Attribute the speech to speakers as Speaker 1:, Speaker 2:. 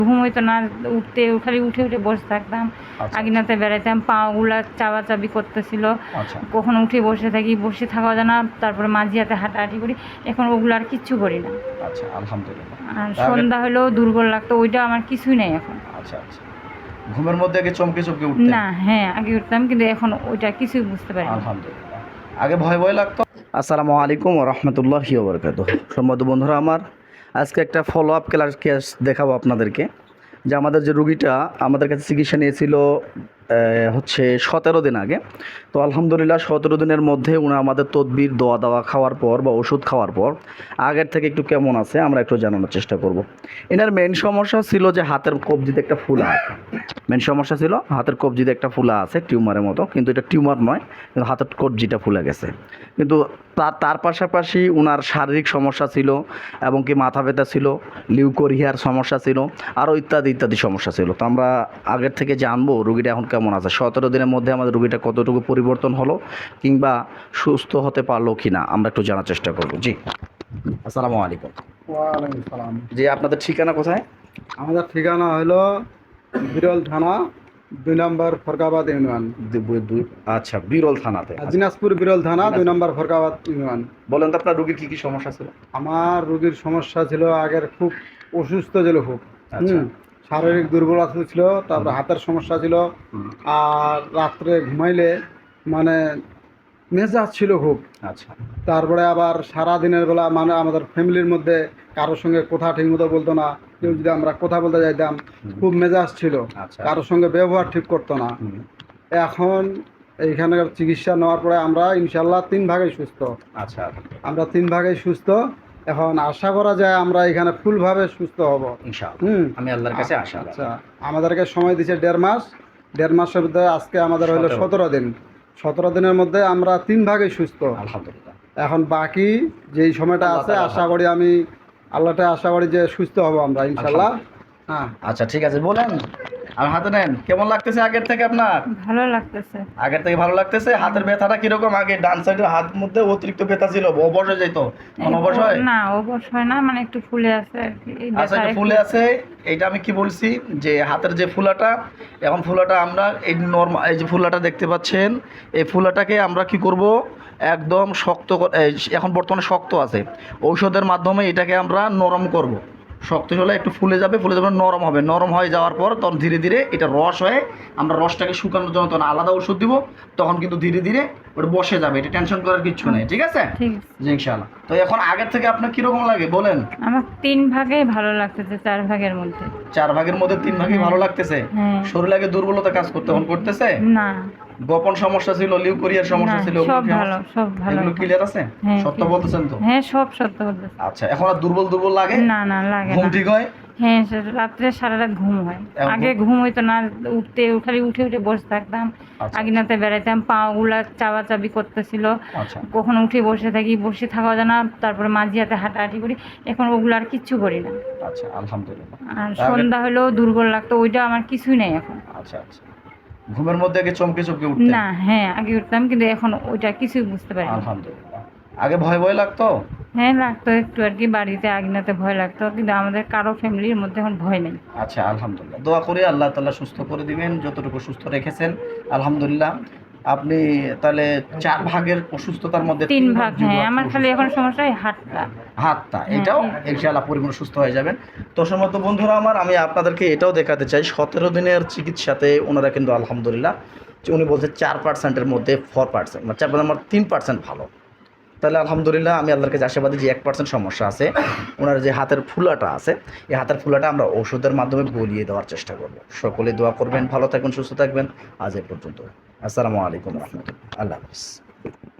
Speaker 1: ঘুম হইতো না, উঠতে খালি উঠে উঠে বসে থাকতাম। আঙিনাতে বেড়াইতাম, পাগুলা চাবাচাবি করতেছিল, কখনো উঠে বসে থাকি, বসে থাকা যায় না। তারপরে মাঝি হাতে হাঁটাহাঁটি করি, এখন ওগুলো আর কিচ্ছু করি না।
Speaker 2: আচ্ছা, আলহামদুলিল্লাহ।
Speaker 1: আর সন্ধ্যা হলেও দুর্বল লাগতো, ওইটা আমার কিছুই নেই এখন।
Speaker 2: আচ্ছা আচ্ছা, ঘুমের মধ্যে আগে চমকে চমকে উঠতেন?
Speaker 1: না, হ্যাঁ আগে উঠতাম, কিন্তু এখন ওইটা কিছুই বুঝতে পারি না।
Speaker 2: আলহামদুলিল্লাহ। আগে ভয় ভয় লাগতো। আসসালামু আলাইকুম ওয়া রাহমাতুল্লাহি ওয়া বারাকাতুহু। সম্মানিত বন্ধুরা আমার, আজকে একটা ফলো আপ কেস দেখাবো আপনাদেরকে। যে আমাদের যে রুগীটা আমাদের কাছে চিকিৎসা নিয়েছিল হচ্ছে 17 দিন আগে। তো আলহামদুলিল্লাহ 17 দিনের মধ্যে উনি আমাদের তদবির দোয়া দাওয়া খাওয়ার পর বা ওষুধ খাওয়ার পর আগের থেকে একটু কেমন আছে আমরা একটু জানানোর চেষ্টা করব। এনার মেন সমস্যা ছিল যে হাতের কবজিতে একটা ফুলা আছে। মেন সমস্যা ছিল হাতের কবজিতে একটা ফুলা আছে, টিউমারের মতো, কিন্তু এটা টিউমার নয়, কিন্তু হাতের কবজিটা ফুলে গেছে। কিন্তু তার পাশাপাশি ওনার শারীরিক সমস্যা ছিল, এবং কি মাথা ব্যথা ছিল, লিউকোরিয়ার সমস্যা ছিল, আরও ইত্যাদি ইত্যাদি সমস্যা ছিল। তো আমরা আগের থেকে জানবো রুগীটা এখন কেমন আছে, 17 দিনের মধ্যে আমাদের রুগীটা কতটুকু পরিবর্তন হলো কিংবা সুস্থ হতে পারলো কি না, আমরা একটু জানার চেষ্টা করবো। জি, আসসালামু আলাইকুম।
Speaker 3: ওয়ালাইকুম সালাম।
Speaker 2: জি, আপনাদের ঠিকানা কোথায়?
Speaker 3: আমাদের ঠিকানা হলো বিরল থানা 2 নম্বর ফরকাবাদ ইউনিয়ন।
Speaker 2: আচ্ছা, বিরল থানাতে।
Speaker 3: দিনাজপুর বিরল থানা 2 নম্বর ফরকাবাদ ইউনিয়ন।
Speaker 2: বলেন তো আপনার রুগীর কী কী সমস্যা ছিল?
Speaker 3: আমার রোগীর সমস্যা ছিল, আগের খুব অসুস্থ ছিল, খুব
Speaker 2: আচ্ছা।
Speaker 3: শারীরিক দুর্বলতা ছিল, তারপরে হাতের সমস্যা ছিল, আর রাত্রে ঘুমাইলে মানে মেজাজ ছিল খুব।
Speaker 2: আচ্ছা।
Speaker 3: তারপরে আবার সারা দিনের বেলা মানে আমাদের ফ্যামিলির মধ্যে কারোর সঙ্গে কথা ঠিকমতো বলতো না, কেউ যদি আমরা কথা বলতে যাইতাম খুব মেজাজ ছিল, কারোর সঙ্গে ব্যবহার ঠিক করতো না। এখন এইখানকার চিকিৎসা নেওয়ার পরে আমরা ইনশাল্লাহ 3 ভাগেই সুস্থ।
Speaker 2: আচ্ছা,
Speaker 3: আমরা 3 ভাগেই সুস্থ। এখন আশা করা যায় আমরা এখানে ফুলভাবে সুস্থ হব
Speaker 2: ইনশাআল্লাহ। আমি আল্লাহর কাছে আশা।
Speaker 3: আচ্ছা, আমাদেরকে সময় দিয়েছে 1.5 মাস। 1.5 মাসের মধ্যে আজকে আমাদের হলো 17 দিন। 17 দিনের মধ্যে আমরা 3 ভাগেই সুস্থ
Speaker 2: আলহামদুলিল্লাহ।
Speaker 3: এখন বাকি যেই সময়টা আছে আশা করি আমি আল্লাহটা আশা করি যে সুস্থ হব আমরা ইনশাল্লাহ। হ্যাঁ,
Speaker 2: আচ্ছা ঠিক আছে, বলেন। আর হাতে নেন, কেমন লাগতেছে আগের থেকে আপনার?
Speaker 1: ভালো লাগতেছে।
Speaker 2: আগের থেকে ভালো লাগতেছে। হাতের ব্যথাটা কিরকম? আগে ডান সাইডের হাত মধ্যে অতিরিক্ত ব্যথা ছিল, অবশ হয়ে যেত, এখন অবশ হয়
Speaker 1: না? অবশ হয় না, মানে একটু ফুলে আছে আর কি।
Speaker 2: আচ্ছা, এটা ফুলে আছে। এইটা আমি কি বলছি যে হাতের যে ফুলাটা, এখন ফুলাটা আমরা এই নরমাল, এই যে ফুলাটা দেখতে পাচ্ছেন, এই ফুলাটাকে আমরা কি করব, একদম শক্ত, এখন বর্তমানে শক্ত আছে, ঔষধের মাধ্যমে এটাকে আমরা নরম করব। শক্ত হলে একটু ফুলে যাবে, নরম হবে। নরম হয়ে যাওয়ার পর তখন ধীরে ধীরে এটা রস হয়ে আমরা রসটাকে শুকানোর জন্য তখন আলাদা ওষুধ দিব, তখন কিন্তু ধীরে ধীরে ওটা বসে যাবে। এটা টেনশন করার কিছু নেই, ঠিক আছে? জি ইনশাআল্লাহ। তো এখন আগের থেকে আপনার কীরকম লাগে বলেন?
Speaker 1: আমার 3 ভাগেই ভালো লাগতেছে, 4 ভাগের মধ্যে।
Speaker 2: 4 ভাগের মধ্যে 3 ভাগই ভালো লাগতেছে। শরীরে আগে দুর্বলতা কাজ করতে, এখন করতেছে
Speaker 1: না?
Speaker 2: গোপন সমস্যা ছিল, লিউকোরিয়ার সমস্যা ছিল,
Speaker 1: সব ভালো, সব ভালো।
Speaker 2: এগুলো ক্লিয়ার আছে? সত্য বলতেছেন তো?
Speaker 1: হ্যাঁ, সব সত্য বলতেছি।
Speaker 2: আচ্ছা, এখন আর দুর্বল দুর্বল লাগে
Speaker 1: না? না লাগে না।
Speaker 2: ঘুম ঠিক হয়?
Speaker 1: হ্যাঁ, রাত্রে সারা রাত ঘুম হয়। আগে ঘুম হইতো না, উঠতে খালি উঠে উঠে বসে থাকতাম। আঙিনাতে বেড়াইতাম, পাগুলা চাবাচাবি করতেছিল, কখনো উঠে বসে থাকি, বসে থাকা যায় না। তারপরে মাঝি হাতে হাঁটাহাঁটি করি, এখন ওগুলো আর কিচ্ছু করি না।
Speaker 2: আচ্ছা, আলহামদুলিল্লাহ।
Speaker 1: আর সন্ধ্যা হলেও দুর্বল লাগতো, ওইটা আমার কিছুই নেই এখন।
Speaker 2: আচ্ছা আচ্ছা, ঘুমের মধ্যে আগে চমকে চমকে উঠতেন?
Speaker 1: না, হ্যাঁ আগে উঠতাম, কিন্তু এখন ওইটা কিছুই বুঝতে পারি না।
Speaker 2: আলহামদুলিল্লাহ। আগে ভয় ভয় লাগতো?
Speaker 1: হ্যাঁ লাগতো একটু আর কি, বাড়িতে আঙিনাতে ভয় লাগতো, কিন্তু আমাদের কারো ফ্যামিলির মধ্যে এখন ভয় নেই।
Speaker 2: আচ্ছা, আলহামদুলিল্লাহ। দোয়া করি আল্লাহ তাআলা সুস্থ করে দিবেন, যতটুকু সুস্থ রেখেছেন আলহামদুলিল্লাহ। আপনি তাহলে 4 ভাগের অসুস্থতার মধ্যে
Speaker 1: 3 ভাগ। হ্যাঁ, আমার খালি এখন সমস্যা হয় হাতটা।
Speaker 2: এটাও ইনশাআল্লাহ পরিপূর্ণ সুস্থ হয়ে যাবেন। তো সমস্ত বন্ধুরা আমার, আমি আপনাদেরকে এটাও দেখাতে চাই, 17 দিনের চিকিৎসাতে ওনারা কিন্তু আলহামদুলিল্লাহ, উনি বলছে 4%-এর মধ্যে 4%, মানে 4% আমার 3% ভালো। তাহলে আলহামদুলিল্লাহ আমি আল্লাহর কাছে আশাবাদী যে 1% সমস্যা আছে, ওনার যে হাতের ফুলাটা আছে, এই হাতের ফুলাটা আমরা ওষুধের মাধ্যমে গলিয়ে দেওয়ার চেষ্টা করব। সকলে দোয়া করবেন, ভালো থাকবেন, সুস্থ থাকবেন। আজ এই পর্যন্ত। আসসালামু আলাইকুম রহমতুল্লাহ। আল্লাহ হাফিজ।